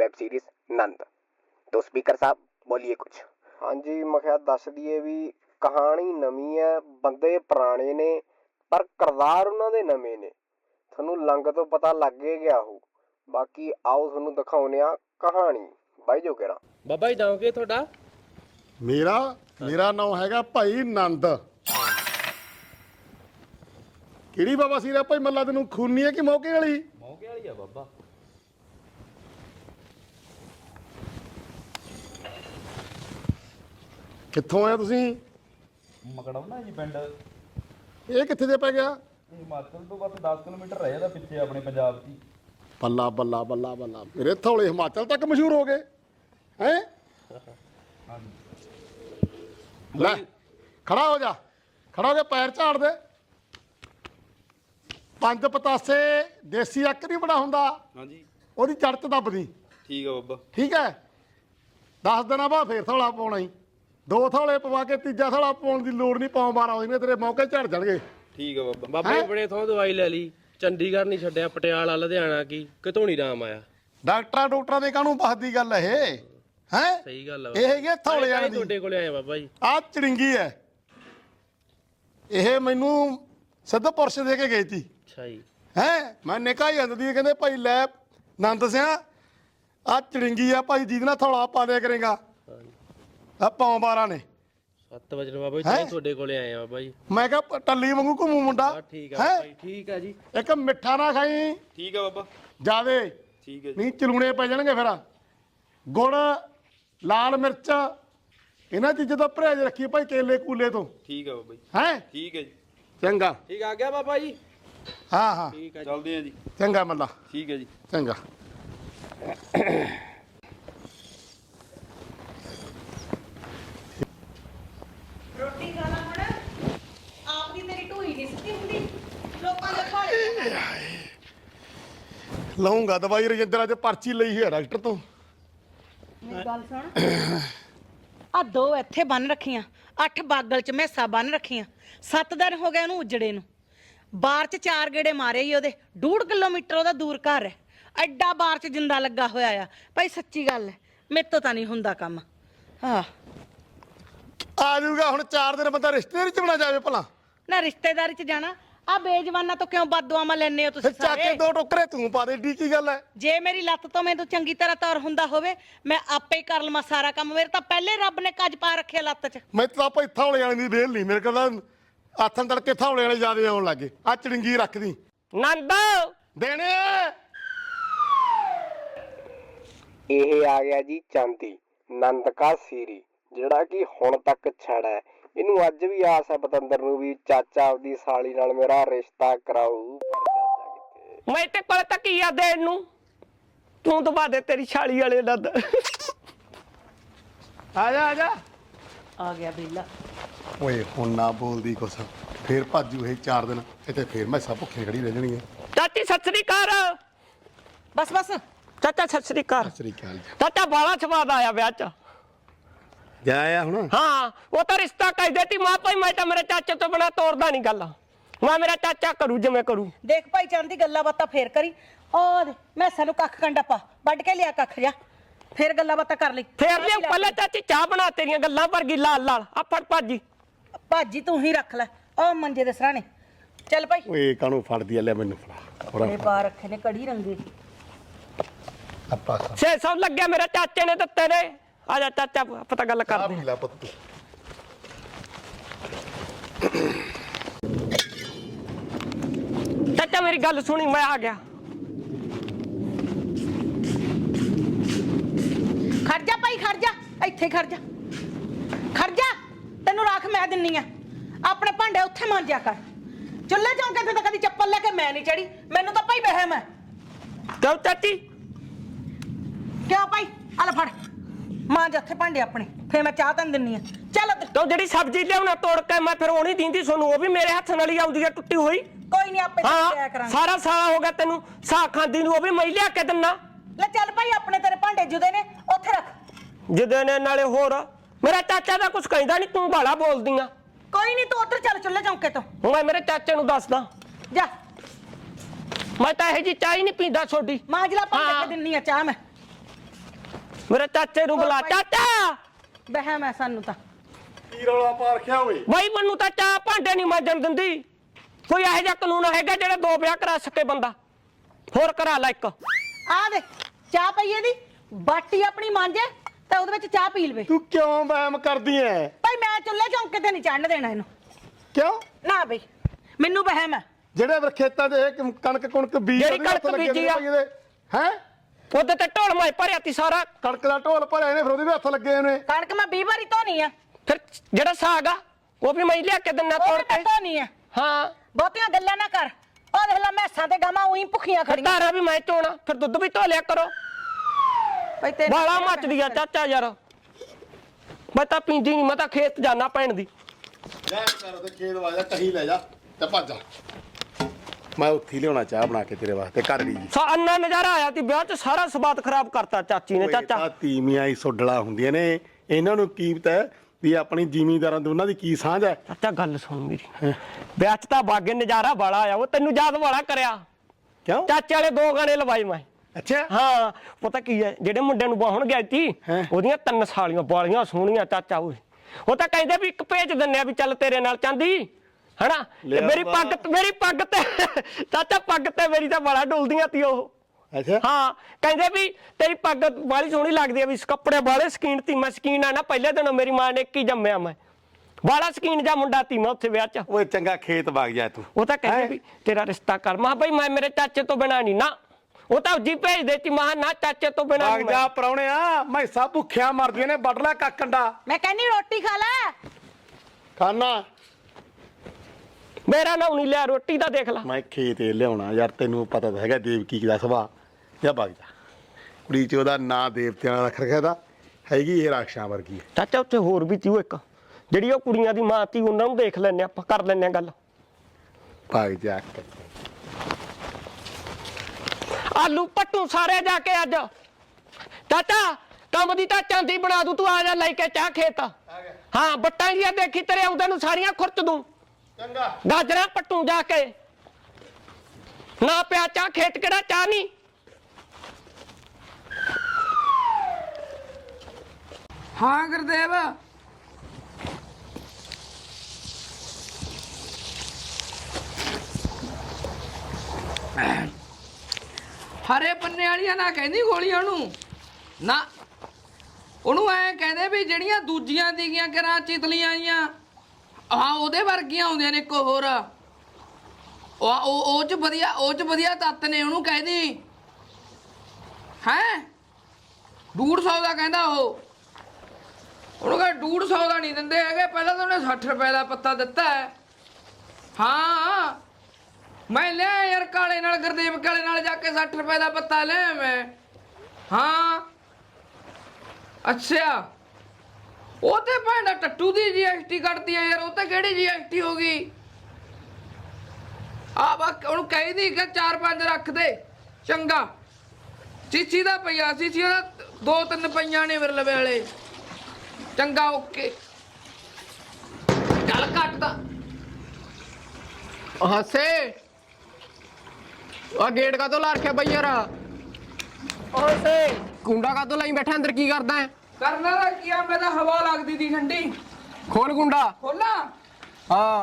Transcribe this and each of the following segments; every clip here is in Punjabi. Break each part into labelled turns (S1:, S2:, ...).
S1: वेब सीरीज नंद। तो स्पीकर साहब बोलिए कुछ।
S2: हाँ जी, मैं क्या दस दिए भी कहानी नवी है, बंदे पुराने ने पर किरदार उन्होंने नवे ने। थानू लंग तो पता लग गया हो, बाकी आओ थानू दिखाउने आ कहानी। बाई जो कह
S3: बाबा जी नाम की थोड़ा?
S4: मेरा नाम हैगा भाई नंद। ਕਿਹੜੀ ਬਾਬਾ ਸੀਰਾ ਭਾਈ ਮੱਲਾ ਤੈਨੂੰ ਖੂਨੀ ਹੈ ਕਿ ਮੌਕੇ ਵਾਲੀ?
S3: ਮੌਕੇ ਵਾਲੀ ਆ ਬਾਬਾ।
S4: ਕਿੱਥੋਂ ਆਏ ਤੁਸੀਂ?
S3: ਮਕੜਾਉਣਾ ਜੀ ਪਿੰਡ।
S4: ਇਹ ਕਿੱਥੇ ਦੇ ਪੈ ਗਿਆ?
S3: ਹਿਮਾਚਲ ਤੋਂ ਬਸ 10 ਕਿਲੋਮੀਟਰ ਰਹਿ ਜਾਂਦਾ ਪਿੱਛੇ ਆਪਣੇ ਪੰਜਾਬ 'ਚ।
S4: ਬੱਲਾ ਬੱਲਾ ਬੱਲਾ ਬੱਲਾ, ਮੇਰੇ ਥੋਲੇ ਹਿਮਾਚਲ ਤੱਕ ਮਸ਼ਹੂਰ ਹੋ ਗਏ ਹੈ। ਲੈ ਖੜਾ ਹੋ ਜਾ, ਖੜਾ ਹੋ ਕੇ ਪੈਰ ਝਾੜ ਦੇ। ਪੰਜ ਪਤਾਸੇ ਦੇਸੀ ਅੱਕ ਨਹੀਂ ਬਣਾ ਹੁੰਦਾ,
S3: ਹਾਂਜੀ
S4: ਉਹਦੀ ਜੜ ਚ ਦੱਬਦੀ।
S3: ਠੀਕ ਆ ਬਾਬਾ।
S4: ਠੀਕ ਹੈ, 10 ਦਿਨਾਂ ਬਾਅਦ ਫੇਰ ਥੋਲਾ ਪਾਉਣਾ ਹੀ। 2 ਥੋਲੇ ਪਵਾ ਕੇ ਤੀਜਾ ਥੋਲਾ ਪਾਉਣ ਦੀ ਲੋੜ ਨਹੀਂ, ਪਾਉ 12 ਹੋਏ ਨੇ ਤੇਰੇ ਮੌਕੇ ਝੜ ਜਾਣਗੇ।
S3: ਠੀਕ ਆ ਬਾਬਾ। ਬਾਬਾ ਜੀ ਬੜੇ ਥੋਂ ਦਵਾਈ ਲੈ ਲਈ, ਚੰਡੀਗੜ੍ਹ ਨਹੀਂ ਛੱਡਿਆ, ਪਟਿਆਲਾ ਲੁਧਿਆਣਾ ਕੀ ਕਿਤੋਂ ਨਹੀਂ ਰਾਮ ਆਇਆ।
S4: ਡਾਕਟਰਾਂ ਦੇ ਕਾਹਨੂੰ ਬਸਦੀ ਗੱਲ ਇਹ ਹੈ।
S3: ਸਹੀ ਗੱਲ ਆ।
S4: ਇਹ ਹੈਗੇ ਥੋਲੇ ਵਾਲੇ ਦੀ।
S3: ਤੁਹਾਡੇ ਕੋਲੇ ਆਏ ਬਾਬਾ ਜੀ।
S4: ਆ ਚੜਿੰਗੀ ਹੈ, ਇਹ ਮੈਨੂੰ ਸਿੱਧ ਪੁਰਸ਼ ਦੇ ਕੇ ਗਈ ਤੀ।
S3: ਅੱਛਾ ਜੀ।
S4: ਹੈ ਮੈਂ ਨਿਕਾਹ ਜਾਂਦੀ, ਕਹਿੰਦੇ ਭਾਈ ਲੈ ਨੰਦ ਸਿਆ ਆ ਚੜਿੰਗੀ ਆ ਭਾਈ, ਜਿਹਦੇ ਨਾਲ ਥੋੜਾ ਪਾ ਦਿਆ ਕਰੇਗਾ। ਆ ਪੌਂ 12 ਨੇ
S3: 7 ਵਜੇ ਬਾਬਾ ਜੀ ਤਾਂ ਤੁਹਾਡੇ ਕੋਲੇ ਆਏ ਆ ਬਾਬਾ ਜੀ।
S4: ਮੈਂ ਕਿਹਾ ਟੱਲੀ ਵਾਂਗੂ ਘੁੰਮੂ ਮੁੰਡਾ।
S3: ਠੀਕ ਆ ਬਾਬਾ ਜੀ। ਠੀਕ ਆ ਜੀ।
S4: ਇੱਕ ਮਿੱਠਾ ਨਾ ਖਾਈ।
S3: ਠੀਕ ਆ ਬਾਬਾ।
S4: ਜਾਵੇ
S3: ਠੀਕ ਹੈ ਜੀ।
S4: ਨਹੀਂ ਚਲੂਣੇ ਪੈ ਜਾਣਗੇ ਫਿਰ। ਗੁੜ, ਲਾਲ ਮਿਰਚ, ਇਹਨਾਂ ਚੀਜ਼ਾਂ ਤੋਂ ਪਰਹੇਜ਼ ਰੱਖੀ ਭਾਈ, ਕੇਲੇ ਕੂਲੇ ਤੋਂ।
S3: ਠੀਕ ਆ ਬਾਬਾ ਜੀ।
S4: ਹੈ
S3: ਠੀਕ ਹੈ ਜੀ।
S4: ਚੰਗਾ।
S3: ਠੀਕ ਆ ਗਿਆ ਬਾਬਾ ਜੀ।
S4: ਹਾਂ
S3: ਠੀਕ ਆ, ਚੱਲਦੇ ਆ ਜੀ।
S4: ਚੰਗਾ ਮੱਲਾ।
S3: ਠੀਕ ਹੈ ਜੀ।
S4: ਚੰਗਾ।
S5: ਰੋਟੀ ਖਾਣਾ ਹੁਣ ਆਪ ਦੀ ਤੇਰੀ ਢੂਈ ਨਹੀਂ ਸਿੱਧੀ ਹੁੰਦੀ, ਲੋਕਾਂ ਦੇ ਖਾਲੇ
S4: ਲਊਂਗਾ ਦਵਾਈ ਰਜਿੰਦਰਾ ਚ ਪਰਚੀ ਲਈ ਹੋਈ ਹੈ ਡਾਕਟਰ ਤੋਂ।
S5: ਮੇਰੀ ਗੱਲ ਸੁਣ, ਆ 2 ਇੱਥੇ ਬੰਨ ਰੱਖੀਆਂ, 8 ਬਾਗਲ ਚ ਮੈਸਾਂ ਬੰਨ ਰੱਖੀਆਂ, 7 ਦਿਨ ਹੋ ਗਏ ਉਹਨੂੰ ਉਜੜੇ ਨੂੰ। ਬਾਰ ਚ 4 ਗੇੜੇ ਮਾਰੇ ਹੀ ਉਹਦੇ, 1.5 ਕਿਲੋਮੀਟਰ ਉਹਦਾ ਦੂਰ ਘਰ ਹੈ, ਐਡਾ ਬਾਰ ਚ ਜਿੰਦਾ ਲੱਗਾ ਹੋਇਆ ਆ। ਭਾਈ ਸੱਚੀ ਗੱਲ ਹੈ, ਮੇਰੇ ਤੋਂ ਤਾਂ ਨਹੀਂ ਹੁੰਦਾ ਕੰਮ। ਹਾਂ
S4: ਆ ਜਾਊਗਾ ਹੁਣ 4 ਦਿਨ, ਬੰਦਾ ਰਿਸ਼ਤੇਦਾਰੀ ਚ ਬਣਾ ਜਾਵੇ ਭਲਾ।
S5: ਨਾ ਰਿਸ਼ਤੇਦਾਰੀ ਚ ਜਾਣਾ, ਆ ਬੇਜਵਾਨਾਂ ਤੋਂ ਕਿਉਂ ਬਦਦੁਆਵਾਂ ਲੈਣੇ ਹੋ ਤੁਸੀਂ
S4: ਚੱਕ ਕੇ
S5: ਸਾਰੇ?
S4: 2 ਟੋਕਰੇ ਤੂੰ ਪਾ ਦੇ, ਏਡੀ ਕੀ ਗੱਲ ਹੈ?
S5: ਜੇ ਮੇਰੀ ਲੱਤ ਤੋਂ ਮੈਨੂੰ ਚੰਗੀ ਤਰ੍ਹਾਂ ਤੌਰ ਹੁੰਦਾ ਹੋਵੇ, ਮੈਂ ਆਪੇ ਹੀ ਕਰ ਲਵਾਂ ਸਾਰਾ ਕੰਮ। ਮੇਰੇ ਤਾਂ ਪਹਿਲੇ ਰੱਬ ਨੇ ਕੱਜ ਪਾ ਰੱਖਿਆ ਲੱਤ 'ਚ।
S4: ਮੈਂ ਤਾਂ ਭਾਈ ਥੌਲੇ ਵਾਲੀ ਦੀ ਵੇਲ ਨਹੀਂ, ਮੇਰੇ ਕੋਲ ਆਥਣ ਤੜਕੇ ਥੌਲੇ ਵਾਲੇ ਜਿਆਦੇ ਆਉਣ ਲੱਗੇ। ਆ ਚੜਿੰਗੀ ਰੱਖਦੀ
S2: ਨੰਦ
S4: ਦੇਣੇ।
S1: ਇਹ ਆ ਗਿਆ ਜੀ ਚਾਂਦੀ, ਨੰਦ ਕਾ ਸੀਰੀ, ਜਿਹੜਾ ਕਿ ਹੁਣ ਤੱਕ ਛੜਾ ਹੈ। ਇਹਨੂੰ ਅੱਜ ਵੀ ਆਸ ਹੈ ਪਤੰਦਰ ਨੂੰ ਵੀ ਚਾਚਾ ਆਪਦੀ ਸਾਲੀ ਨਾਲ ਮੇਰਾ ਰਿਸ਼ਤਾ ਕਰਾਊ, ਪਰ ਚਾਚਾ ਕਿੱਥੇ।
S2: ਮੈਂ ਤੇ ਕੋਲ ਤੱਕ ਹੀ ਆ ਦੇਣ ਨੂੰ, ਤੂੰ ਦਬਾ ਦੇ ਤੇਰੀ ਛਾਲੀ ਵਾਲੇ ਨੰਦ।
S4: ਆ ਜਾ
S5: ਆ ਗਿਆ ਬੇਲਾ।
S4: ਓਏ ਹੁਣ ਨਾ ਬੋਲਦੀ ਕੁਛ, ਫੇਰ ਭਾਜੂ ਇਹ 4 ਦਿਨ ਇੱਥੇ, ਫੇਰ ਮੈਂ ਸਭ ਭੁੱਖੇ ਖੜੀ ਰਹਿ ਜਾਣੀ ਹੈ।
S2: ਚਾਚੀ ਸਤਿ ਸ੍ਰੀ ਅਕਾਲ।
S5: ਬਸ
S2: ਚਾਚਾ ਸਤਿ ਸ੍ਰੀ ਅਕਾਲ।
S4: ਸਤਿ ਸ੍ਰੀ ਅਕਾਲ।
S2: ਚਾਚਾ ਬਾਲਾ ਸਵਾਦ ਆਇਆ ਵਿਆਹ ਚ।
S4: ਜਾ ਆਇਆ ਹੁਣ?
S2: ਹਾਂ ਉਹ ਤਾਂ ਰਿਸ਼ਤਾ ਕਹਿ ਦੇਤੀ ਮਾਂ ਭਾਈ, ਮੈਂ ਤਾਂ ਮੇਰੇ ਚਾਚੇ ਤੋਂ ਬਿਨਾ ਤੋਰਦਾ ਨਹੀਂ ਗੱਲ। ਮੈਂ ਮੇਰਾ ਚਾਚਾ ਕਰੂ ਜਿਵੇਂ ਕਰੂ।
S5: ਦੇਖ ਭਾਈ ਚਾਂਦੀ, ਗੱਲਾਂ ਬਾਤਾਂ ਫੇਰ ਕਰੀ। ਉਹ ਮੈਂ ਸਾਨੂੰ ਕੱਖ ਕੰਡਾ ਪਾ ਵੱਢ ਕੇ ਲਿਆ, ਕੱਖ ਜਾ, ਫੇਰ ਗੱਲਾਂ ਬਾਤਾਂ ਕਰ ਲਈ।
S2: ਫੇਰ ਵੀ ਪਹਿਲਾਂ ਚਾਚੀ ਚਾਹ ਬਣਾ, ਤੇਰੀਆਂ ਗੱਲਾਂ ਵਰਗੀ ਲਾਲ ਲਾਲ। ਆ ਫੜ ਭਾਜੀ।
S5: ਭਾਜੀ ਤੂੰ ਹੀ ਰੱਖ ਲੈ ਉਹ ਮੰਜੇ ਦੇ ਸਰਾਣੇ। ਚੱਲ ਭਾਈ।
S4: ਓਏ ਕਾਹਨੂੰ ਫੜਦੀ ਆ, ਲੈ ਮੈਨੂੰ ਫੜਾ।
S5: ਇਹ ਪਾ ਰੱਖੇ ਨੇ ਕੜੀ ਰੰਗੇ।
S4: ਆਪਾਂ
S2: 600 ਲੱਗਿਆ ਮੇਰੇ ਚਾਚੇ ਨੇ ਦਿੱਤੇ ਨੇ। ਆ ਜਾ ਚਾਚਾ ਪਤਾ ਗੱਲ ਕਰਦੇ।
S4: ਪੀ ਲੈ ਪੁੱਤ।
S2: ਚਾਚਾ ਮੇਰੀ ਗੱਲ ਸੁਣੀ, ਮੈਂ ਆ ਗਿਆ।
S5: ਖੜ ਜਾ ਭਾਈ, ਖੜ ਜਾ, ਇੱਥੇ ਖੜ ਜਾ, ਖੜ ਜਾ। ਤੈਨੂੰ ਰਾਖ ਮੈਂ ਦਿੰਨੀ ਆ, ਆਪਣੇ ਭਾਂਡੇ ਉੱਥੇ ਮਾਂਜਿਆ ਕਰ। ਚੁੱਲ੍ਹੇ ਚੌਂਕੇ ਤੇ ਤਾਂ ਕਦੀ ਚੱਪਲ ਲੈ ਕੇ ਮੈਂ ਨਹੀਂ ਚੜੀ, ਮੈਨੂੰ ਤਾਂ ਭਾਈ ਵਹਿਮ ਹੈ।
S2: ਕਿਉਂ ਚਾਚੀ?
S5: ਕਿਉਂ ਭਾਈ? ਆ ਲੈ ਫੜ, ਮਾਂਜ ਉੱਥੇ ਭਾਂਡੇ ਆਪਣੇ, ਫੇਰ ਮੈਂ ਚਾਹ ਤੈਨੂੰ ਦਿੰਨੀ ਆ। ਚੱਲ ਉੱਧਰ।
S2: ਤੂੰ ਜਿਹੜੀ ਸਬਜ਼ੀ ਲਿਆਉਣਾ ਤੋੜ ਕੇ, ਮੈਂ ਫਿਰ ਉਹ ਨਹੀਂ ਦਿੰਦੀ ਸੋਨੂੰ, ਉਹ ਵੀ ਮੇਰੇ ਹੱਥ ਨਾਲ ਹੀ ਆਉਂਦੀ ਹੈ ਟੁੱਟੀ ਹੋਈ।
S5: ਕੋਈ ਨਹੀਂ, ਆਪੇ ਚੱਕਿਆ
S2: ਹਾਂ
S5: ਕਰਾਂਗੇ।
S2: ਸਾਰਾ ਸਾਲ ਹੋ ਗਿਆ ਤੈਨੂੰ ਸਾਹ ਖਾਂਦੀ ਨੂੰ, ਉਹ ਵੀ ਮੈਂ ਲਿਆ ਕੇ ਦਿੰਨਾ।
S5: ਲੈ ਚੱਲ ਭਾਈ, ਆਪਣੇ ਤੇਰੇ ਭਾਂਡੇ ਜੁਦੇ ਨੇ, ਉੱਥੇ ਰੱਖ।
S2: ਜਿਹਦੇ ਨੇ ਨਾਲੇ ਹੋਰ ਮੇਰਾ ਚਾਚਾ ਦਾ ਕੁਝ ਕਹਿੰਦਾ ਨਹੀਂ, ਤੂੰ ਬਾਲਾ ਬੋਲਦੀ ਆ।
S5: ਕੋਈ ਨਹੀਂ, ਤੂੰ ਉੱਧਰ ਚੱਲ ਚੁੱਲ੍ਹੇ ਚੌਂਕੇ ਤੋਂ।
S2: ਮੈਂ ਮੇਰੇ ਚਾਚੇ ਨੂੰ ਦੱਸਦਾ।
S5: ਜਾ
S2: ਮੈਂ ਤਾਂ ਇਹ ਜੀ ਚਾਹ ਹੀ ਨਹੀਂ ਪੀਂਦਾ ਛੋਡੀ।
S5: ਮਾਂਜ ਲਾ ਭਾਂਡੇ, ਕੇ ਦਿੰਨੀ ਆ ਚਾਹ ਮੈਂ।
S6: ਮੇਰੇ ਚਾਚੇ ਨੂੰ ਬੁਲਾ ਚਾਚਾ।
S5: ਵਹਿਮ ਹੈ ਸਾਨੂੰ ਤਾਂ।
S4: ਕੀ ਰੌਲਾ ਪਾ ਰੱਖਿਆ ਓਏ?
S6: ਬਾਈ ਮੈਨੂੰ ਤਾਂ ਚਾਹ ਭਾਂਡੇ ਨਹੀਂ ਮਾਂਜਣ ਦਿੰਦੀ। ਕੋਈ ਇਹੋ ਜਿਹਾ ਕਾਨੂੰਨ ਹੈਗਾ ਜਿਹੜਾ 2 ਵਿਆਹ ਕਰਾ ਸਕੇ ਬੰਦਾ? ਹੋਰ ਕਰਾ ਲੈ ਇੱਕ।
S5: ਆ ਦੇ ਚਾਹ ਪਈ ਇਹਦੀ, ਬਾਟੀ ਆਪਣੀ ਮਾਂਜੇ ਤੇ ਉਹਦੇ ਵਿੱਚ ਚਾਹ ਪੀ ਲਵੇ।
S4: ਤੂੰ ਕਿਉਂ ਵਹਿਮ ਕਰਦੀ ਐ?
S5: ਭਾਈ ਮੈਂ ਚੁੱਲ੍ਹੇ ਚੌਂਕੇ ਤੇ ਨਹੀਂ ਚੜਨ ਦੇਣਾ ਇਹਨੂੰ।
S4: ਕਿਉਂ?
S5: ਨਾ ਬਈ ਮੈਨੂੰ ਵਹਿਮ ਹੈ।
S4: ਜਿਹੜੇ ਫਿਰ ਖੇਤਾਂ 'ਚ ਇਹ ਕਣਕ ਕੁਣਕ ਬੀਜ
S6: ਜਿਹੜੀ ਕਣਕ ਬੀਜੀ ਆ।
S4: ਹੈ
S6: ਉਹਦੇ ਤੇ ਢੋਲ ਮੈਂ ਭਰਿਆ ਤੀ ਸਾਰਾ।
S4: ਕਣਕ ਦਾ ਢੋਲ ਭਰਿਆ ਨੇ, ਫਿਰ ਉਹਦੇ ਵੀ ਹੱਥ ਲੱਗੇ ਨੇ।
S5: ਕਣਕ ਮੈਂ 20 ਵਾਰੀ ਧੋਣੀ ਆ।
S6: ਫਿਰ ਜਿਹੜਾ ਸਾਗ ਆ ਉਹ ਵੀ ਮੈਂ ਲਿਆ ਕੇ ਦਿੰਨਾ
S5: ਉਹ
S6: ਤੋੜ
S5: ਵੀ ਮੈਂ
S6: ਕੇ।
S5: ਧੋਣੀ ਆ।
S6: ਹਾਂ
S5: ਬਹੁਤੀਆਂ ਗੱਲਾਂ ਨਾ ਕਰ। ਉਹ ਦੇਖ ਲੈ ਮੈਸਾਂ ਤੇ ਗਾਵਾਂ ਉਹੀ ਭੁੱਖੀਆਂ ਖੜੀਆਂ।
S6: ਧਾਰਾ ਵੀ ਮੈਂ ਚੋਣਾ, ਫਿਰ ਦੁੱਧ ਵੀ ਧੋ ਲਿਆ ਕਰੋ।
S5: ਭਾਈ ਤੈਨੂੰ
S6: ਬਾਲਾ ਮੱਚਦੀ ਆ ਚਾਚਾ ਯਾਰ। ਮੈਂ ਤਾਂ ਪੀਂਦੀ ਨਹੀਂ, ਮੈਂ ਤਾਂ ਖੇਤ ਜਾਣਾ ਪੈਣ ਦੀ।
S4: ਜਾ ਕਰ ਤੇ ਖੇਤ ਵਾਜਾ ਕਹੀ ਲੈ ਜਾ ਤੇ ਭੱਜ ਜਾ। ਮੈਂ ਉੱਥੇ ਹੀ ਲਿਆਉਣਾ ਚਾਹ ਬਣਾ ਕੇ ਤੇਰੇ ਵਾਸਤੇ ਘਰ ਦੀ।
S6: ਅੰਨਾ ਨਜ਼ਾਰਾ ਆਇਆ ਤੀ ਵਿਆਹ 'ਚ, ਸਾਰਾ ਸਵਾਦ ਖਰਾਬ ਕਰਤਾ ਚਾਚੀ ਨੇ। ਚਾਚਾ
S4: ਤੀਵੀਆਂ ਹੀ ਸੋਡਲਾ ਹੁੰਦੀਆਂ ਨੇ, ਇਹਨਾਂ ਨੂੰ ਕੀ ਪਤਾ ਵੀ ਆਪਣੀ ਜ਼ਿਮੀਂਦਾਰਾਂ ਦੋਨਾਂ ਦੀ ਕੀ ਸਾਂਝ ਹੈ।
S6: ਚਾਚਾ ਗੱਲ ਸੁਣ ਮੇਰੀ, ਵਿਆਹ 'ਚ ਤਾਂ ਬਾਗੇ ਨਜ਼ਾਰਾ ਵਾਲਾ ਆਇਆ। ਉਹ ਤੈਨੂੰ ਯਾਦ ਵਾਲਾ ਕਰਿਆ।
S4: ਕਿਉਂ?
S6: ਚਾਚੇ ਵਾਲੇ 2 ਗਾਣੇ ਲਵਾਏ ਮੈਂ।
S4: ਅੱਛਾ
S6: ਹਾਂ ਪਤਾ ਕੀ ਹੈ, ਜਿਹੜੇ ਮੁੰਡੇ ਨੂੰ ਬਾਹਣ ਗਿਆ ਸੀ ਉਹਦੀਆਂ 3 ਸਾਲੀਆਂ ਬਾਲੀਆਂ ਸੋਹਣੀਆਂ ਚਾਚਾ। ਉਹ ਤਾਂ ਕਹਿੰਦੇ ਵੀ ਇੱਕ ਭੇਜ ਦਿੰਨੇ ਆ ਵੀ ਚੱਲ ਤੇਰੇ ਨਾਲ ਚਾਂਦੀ ਹਨਾ। ਤੇ ਮੇਰੀ ਪੱਗ ਤੇ ਚਾਚਾ ਪੱਗ ਤੇ ਮੇਰੀ ਤਾਂ ਬੜਾ ਡੁੱਲਦੀਆਂ ਤੀ ਉਹ।
S4: ਅੱਛਾ
S6: ਹਾਂ ਕਹਿੰਦੇ ਵੀ ਤੇਰੀ ਪੱਗ ਬਾਲੀ ਸੋਹਣੀ ਲੱਗਦੀ ਆ, ਵੀ ਕੱਪੜੇ ਬਾਲੇ ਸਕੀਨ ਤੀ। ਮੈਂ ਸਕੀਨ ਆ ਨਾ, ਪਹਿਲੇ ਦਿਨ ਮੇਰੀ ਮਾਂ ਨੇ ਇੱਕ ਹੀ ਜੰਮਿਆ, ਮੈਂ ਬਾਲਾ ਸਕੀਨ ਜਾ ਮੁੰਡਾ ਤੀ ਮੈਂ ਉੱਥੇ ਵਿਆਹ 'ਚ।
S4: ਓਏ ਚੰਗਾ ਖੇਤ ਵਗ ਜਾ ਤੂੰ।
S6: ਉਹ ਤਾਂ ਕਹਿੰਦੇ ਵੀ ਤੇਰਾ ਰਿਸ਼ਤਾ ਕਰ। ਮੈਂ ਬਈ ਮੈਂ ਮੇਰੇ ਚਾਚੇ ਤੋਂ ਬਿਨਾਂ ਨਹੀਂ ਨਾ। ਉਹ ਤਾਂ ਜੀ ਭੇਜ ਦੇਤੀ ਮਹਾ ਨਾ, ਚਾਚੇ ਤੋਂ ਬਿਨਾਂ
S4: ਵਗ ਜਾ ਪਰਾਉਣਿਆ, ਮੈਸਾਂ ਭੁੱਖਿਆਂ ਮਰਦੀਆਂ ਨੇ, ਵੱਢ ਲੈ ਕੱਕੰਡਾ।
S5: ਮੈਂ ਕਹਿੰਦੀ ਰੋਟੀ ਖਾ ਲੈ।
S4: ਖਾਣਾ
S6: ਮੇਰਾ ਨਾਮ ਨਹੀਂ ਲਿਆ, ਰੋਟੀ ਦਾ ਦੇਖ ਲੈ।
S4: ਮੈਂ ਖੇਤ ਇਹ ਲਿਆਉਣਾ ਯਾਰ, ਤੈਨੂੰ ਪਤਾ ਤਾਂ ਹੈਗਾ ਦੇਵਕੀ ਦਾ ਸੁਭਾਅ। ਜਾਂ ਵਗ ਜਾ। ਕੁੜੀ 'ਚ ਉਹਦਾ ਨਾਂ ਦੇਵਤਿਆਂ ਨਾਲ ਰੱਖ ਰੱਖਿਆ ਦਾ, ਹੈਗੀ ਇਹ ਰਾਖਸ਼ਾਂ ਵਰਗੀ ਹੈ।
S6: ਚਾਚਾ ਉੱਥੇ ਹੋਰ ਵੀ ਤੀ ਉਹ ਇੱਕ, ਜਿਹੜੀ ਉਹ ਕੁੜੀਆਂ ਦੀ ਮਾਂ ਤੀ, ਉਹਨਾਂ ਨੂੰ ਦੇਖ ਲੈਣੇ ਆਪਾਂ, ਕਰ ਲੈਣੇ ਗੱਲ।
S4: ਵਗ ਜਾ।
S6: ਆਲੂ ਪੱਟੂ ਸਾਰੇ ਜਾ ਕੇ ਅੱਜ। ਚਾਚਾ ਕੰਮ ਦੀ ਤਾਂ ਚਾਂਦੀ ਬਣਾ ਦੂ, ਤੂੰ ਆ ਜਾ ਲੈ ਕੇ ਚਾਹ ਖੇਤ। ਹਾਂ ਬੱਟਾਂ ਜੀਆਂ ਦੇਖੀ ਤੇਰੇ ਆਉਂਦੇ ਨੂੰ ਸਾਰੀਆਂ ਖੁਰਚ ਦੂੰ।
S4: ਚੰਗਾ
S6: ਗਾਜਰਾਂ ਪੱਟੂ ਜਾ ਕੇ। ਨਾ ਪਿਆ ਚਾਹ ਖੇਤ, ਕਿਹੜਾ ਚਾਹ ਨਹੀਂ।
S7: ਹਾਂ ਗੁਰਦੇਵ, ਹਰੇ ਪੰਨੇ ਵਾਲੀਆਂ ਨਾ ਕਹਿੰਦੀ ਗੋਲੀਆਂ ਨੂੰ ਨਾ। ਉਹਨੂੰ ਐ ਕਹਿੰਦੇ ਵੀ ਜਿਹੜੀਆਂ ਦੂਜੀਆਂ ਦੀਆਂ ਕਰਾਂ ਚਿਤਲੀਆਂ ਆਈਆਂ, ਹਾਂ ਉਹਦੇ ਵਰਗੀਆਂ ਆਉਂਦੀਆਂ ਨੇ। ਇੱਕ ਹੋਰ ਉਹ ਚ ਵਧੀਆ ਤੱਤ ਨੇ। ਉਹਨੂੰ ਕਹਿੰਦੀ ਹੈ 150 ਦਾ ਕਹਿੰਦਾ ਉਹ। ਉਹਨੂੰ ਕਹਿੰਦਾ 150 ਦਾ ਨਹੀਂ ਦਿੰਦੇ ਹੈਗੇ, ਪਹਿਲਾਂ ਤਾਂ ਉਹਨੇ 60 ਰੁਪਏ ਦਾ ਪੱਤਾ ਦਿੱਤਾ ਹੈ। ਹਾਂ ਮੈਂ ਲਿਆ ਯਾਰ ਕਾਲੇ ਨਾਲ, ਗੁਰਦੇਵ ਕਾਲੇ ਨਾਲ ਜਾ ਕੇ 60 ਰੁਪਏ ਦਾ ਪੱਤਾ ਲਿਆ ਮੈਂ। ਹਾਂ ਅੱਛਾ, ਉਹ ਤੇ ਭਾਂਡਾ ਟੱਟੂ ਦੀ GST ਕੱਟਦੀ ਆ ਯਾਰ। ਉਹ ਤੇ ਕਿਹੜੀ GST ਹੋ ਗਈ? ਆ ਬਾ ਉਹਨੂੰ ਕਹਿੰਦੀ ਕਿ 4-5 ਰੱਖ ਦੇ। ਚੰਗਾ ਚੀਚੀ ਦਾ ਪਈਆ, ਚੀਚੀ ਦਾ 2-3 ਪਈਆਂ ਨੇ ਮੇਰੇ ਲਵੇ ਵਾਲੇ। ਚੰਗਾ ਓਕੇ ਚੱਲ ਕੱਟਦਾ। ਹੱਸੇ ਆ ਗੇਟ ਕਾ ਤੋਂ ਲਾ ਰੱਖਿਆ ਬਈ ਯਾਰ।
S6: ਓਏ
S7: ਕੁੰਡਾ ਕਾ ਤੋਂ ਲਾਈ ਬੈਠਾ ਅੰਦਰ, ਕੀ ਕਰਦਾ ਹੈ? ਕਰਨਾ ਦਾ ਕੀ ਆ, ਮੈਂ ਤਾਂ ਹਵਾ ਲੱਗਦੀ ਦੀ ਠੰਡੀ।
S6: ਖੋਲ ਗੁੰਡਾ।
S7: ਖੋਲਾ
S6: ਹਾਂ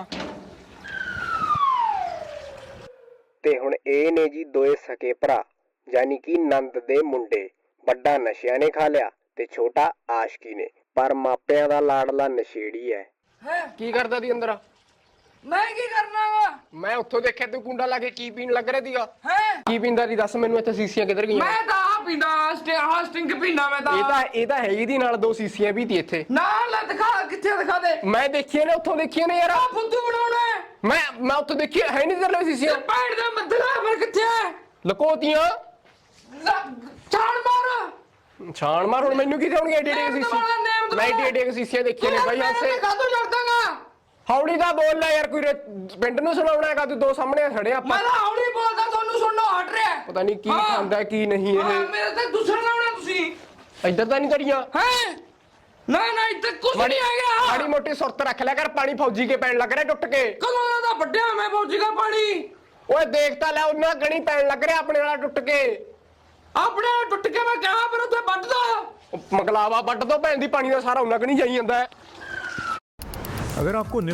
S2: ਤੇ ਹੁਣ ਇਹ ਨੇ ਜੀ ਦੋਏ ਸਕੇ ਭਰਾ, ਯਾਨੀ ਕਿ ਨੰਦ ਦੇ ਮੁੰਡੇ। ਵੱਡਾ ਨਸ਼ਿਆਂ ਨੇ ਖਾ ਲਿਆ ਤੇ ਛੋਟਾ ਆਸ਼ਕੀ ਨੇ, ਪਰ ਮਾਪਿਆਂ ਦਾ ਲਾਡਲਾ ਨਸ਼ੇੜੀ ਹੈ।
S6: ਕੀ ਕਰਦਾ ਦੀ ਅੰਦਰ?
S7: ਮੈਂ ਕੀ ਕਰਨਾ ਵਾ?
S6: ਮੈਂ ਉੱਥੋਂ ਦੇਖਿਆ ਤੂੰ ਕੁੰਡਾ ਲਾ ਕੇ ਕੀ ਪੀਣ ਲੱਗ ਰਿਹਾ ਸੀਗਾ।
S7: ਹੈ
S6: ਕੀ ਪੀਂਦਾ ਦੀ ਦੱਸ ਮੈਨੂੰ, ਇੱਥੇ ਸੀਸੀਆਂ ਕਿੱਧਰ ਗਈਆਂ?
S7: ਮੈਂ ਤਾਂ ਆ ਪੀਂਦਾ, ਆਹ ਸਟਿੰਗ ਪੀਂਦਾ ਮੈਂ ਤਾਂ।
S6: ਇਹ ਤਾਂ ਹੈਗੀ ਦੀ ਨਾਲ 2 ਸੀਸੀਆਂ ਵੀ ਤੀ ਇੱਥੇ।
S7: ਨਾ ਲੈ ਦਿਖਾ, ਕਿੱਥੇ ਦਿਖਾ ਦੇ।
S6: ਮੈਂ ਦੇਖੀਆਂ ਨੇ, ਉੱਥੋਂ ਦੇਖੀਆਂ ਨੇ ਯਾਰ।
S7: ਆ ਫੁੱਦੂ ਬਣਾਉਣਾ ਹੈ।
S6: ਮੈਂ ਉੱਥੋਂ ਦੇਖੀ ਹੈ ਨਹੀਂ ਤੇਰੇ ਲਈ ਸੀਸੀਆਂ।
S7: ਪੈੜ ਦਾ ਮੱਧਰਾ ਪਰ ਕਿੱਥੇ ਹੈ?
S6: ਲਕੋਤੀਆਂ।
S7: ਛਾਣ ਮਾਰ।
S6: ਛਾਣ ਮਾਰ। ਹੁਣ ਮੈਨੂੰ ਕੀ ਹੋਣਗੇ ਏਡੀ ਏਡੀ ਸੀਸੀ? ਮੈਂ ਏਡੀ ਸੀਸੀਆਂ ਦੇਖੀਆਂ ਨੇ ਬਾਈ ਹਾਸੇ।
S7: ਕਾਹਤੋਂ ਲੜਦਾਗਾ?
S6: ਹੌਲੀ ਦਾ ਬੋਲ ਲੈ ਯਾਰ, ਕੋਈ ਪਿੰਡ ਨੂੰ ਸੁਣਾਉਣਾ ਹੈਗਾ? ਤੂੰ 2 ਸਾਹਮਣੇ ਖੜੇ ਆਪਾਂ।
S7: ਮੈਂ ਤਾਂ ਹੌਲੀ ਬੋਲਦਾ, ਤੁਹਾਨੂੰ ਸੁਣਨੋਂ ਹਟ ਰਿਹਾ।
S6: ਪਤਾ ਨਹੀਂ ਕੀ ਖਾਂਦਾ ਕੀ ਨਹੀਂ
S7: ਹਾਂ
S6: ਇਹ।
S7: ਮੇਰੇ ਤੇ ਦੂਸਰਾ ਲਾਉਣਾ ਤੁਸੀਂ।
S6: ਇੱਧਰ ਤਾਂ ਨਹੀਂ ਤੜੀਆਂ
S7: ਹੈ ਨਾ ਇੱਥੇ ਕੁਝ ਨਹੀਂ ਹੈਗਾ।
S6: ਮਾੜੀ ਮੋਟੀ ਸੁਰਤ ਰੱਖ ਲਿਆ ਕਰ, ਪਾਣੀ ਫੌਜੀ ਕੇ ਪੈਣ ਲੱਗ ਰਿਹਾ ਟੁੱਟ ਕੇ।
S7: ਕਦੋਂ ਦਾ ਵੱਡਿਆ ਮੈਂ ਫੌਜੀ ਦਾ ਪਾਣੀ।
S6: ਓਏ ਦੇਖ ਤਾਂ ਲੈ, ਉਹਨਾਂ ਗਣੀ ਪੈਣ ਲੱਗ ਰਿਹਾ ਆਪਣੇ ਵਾਲਾ ਟੁੱਟ ਕੇ।
S7: ਆਪਣੇ ਟੁੱਟ ਕੇ ਮੈਂ ਕਹਾਂ ਫਿਰ ਉੱਥੇ ਵੱਢਦਾ।
S6: ਮਗਲਾਵਾ ਵੱਟ ਤੋਂ ਭੈਣ ਦੀ ਪਾਣੀ ਦਾ ਸਾਰਾ ਉਹਨਾਂ ਕਿ ਨਹੀਂ ਜਾਈ ਜਾਂਦਾ ਹੈ।
S8: अगर आपको